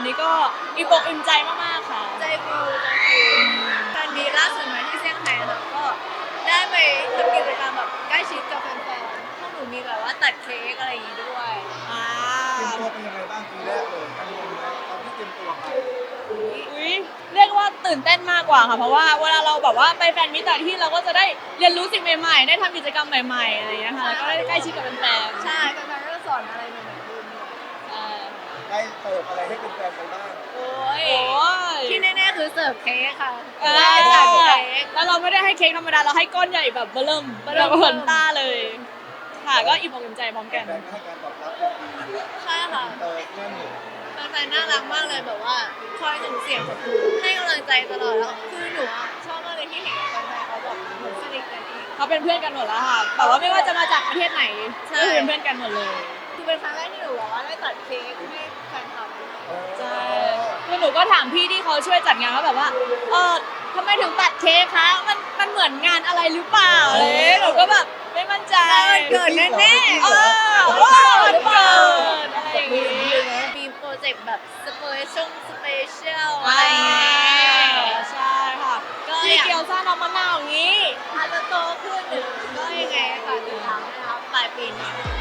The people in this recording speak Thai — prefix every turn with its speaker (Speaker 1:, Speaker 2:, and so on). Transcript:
Speaker 1: นี้ก็อิ่มอกอิ่มใจมากๆค่ะ
Speaker 2: ใจฟูตอนนี้ล่าสุดมาที่เซี่ยงไฮ้ค่ะก็ได้ไปทำกิจกรรมแบบใกล้ชิดกับแฟนๆพวกหนูมีแบบว่าตัดเค้กอะไรอย่างงี้ด้วย
Speaker 1: อ่า
Speaker 3: เตรียมตัวเป็นยังไงบ้างปีแรกเลยกังวลไหมตอนที่เตรียมตัวไป
Speaker 1: อุ๊ยเรียกว่าตื่นเต้นมากกว่าค่ะเพราะว่าเวลาเราแบบว่าไปแฟนมิตรแต่างที่เราก็จะได้เรียนรู้สิ่งใหม่ๆได้ทำกิจกรรมใหม่ๆอะไรอย่างเงี้ยค่ะแล้วก็ได้ใกล้ชิดกับแฟนๆ
Speaker 2: ใช่แฟนๆก็จะสอนอะไรใหม่ๆด้วย
Speaker 1: ใช่
Speaker 3: ได้เสิร์ฟอะไรให้เป็นแฟนไปบ้าง
Speaker 2: โอ้ย
Speaker 1: โอ้ย
Speaker 2: ที่แน่ๆคือเสิร์ฟเค้กค่ะ
Speaker 1: เออ
Speaker 2: ได้ตัดเค้ก
Speaker 1: แล้วเราไม่ได้ให้เค้กธรรมดาเราให้ก้อนใหญ่แบบเบิ่มแบบเหมือนต้าเลย ค่ะก็อิ่มอกอิ่มใจพร้อมกัน
Speaker 3: แฟนก็ให้การตอบรับอย่างดี
Speaker 2: ใช่ค่ะ
Speaker 3: แน่นหนุน
Speaker 2: แฟนๆน่ารักมากเลยแบบว่าคอยส่งเสียงแบบให้กำลังใจตลอดแล้วคือหนูอะชอบมากเลยที่เห็นแฟนๆเขาแบบเหมือนสนิทกันเอง
Speaker 1: เขาเป็นเพื่อนกันหมดแล้วค่ะแต่ว่าไม่ว่าจะมาจากประเทศไหน
Speaker 2: ใช่
Speaker 1: ก็คือเป็นเพื่อนกันหมดเลย
Speaker 2: คือเป็นครั้งแรกที่หนูแบบว่าได้ตัดเค้กให้แฟนคลับ
Speaker 1: ใช่คือหนูก็ถามพี่ที่เขาช่วยจัดงานว่าแบบว่าทำไมถึงตัดเค้กคะมันเหมือนงานอะไรหรือเปล่าเลยหนูก็แบบไม่มั่นใจ
Speaker 2: วันเกิดแน่ๆ
Speaker 1: วันเกิดอะไรอย่างงี้
Speaker 2: มีโปรเจกต์แบบสเปเชียลอะไรอย่างเงี้ย
Speaker 1: ใช่ค่ะ
Speaker 2: ก็
Speaker 1: พี่
Speaker 2: อยาก
Speaker 1: เกียวซ่าน้ำมะนาวอย่างนี้
Speaker 2: อาจจะโตขึ้นหรือก็ยังไงค่ะติดตามนะครับปลายปีนี้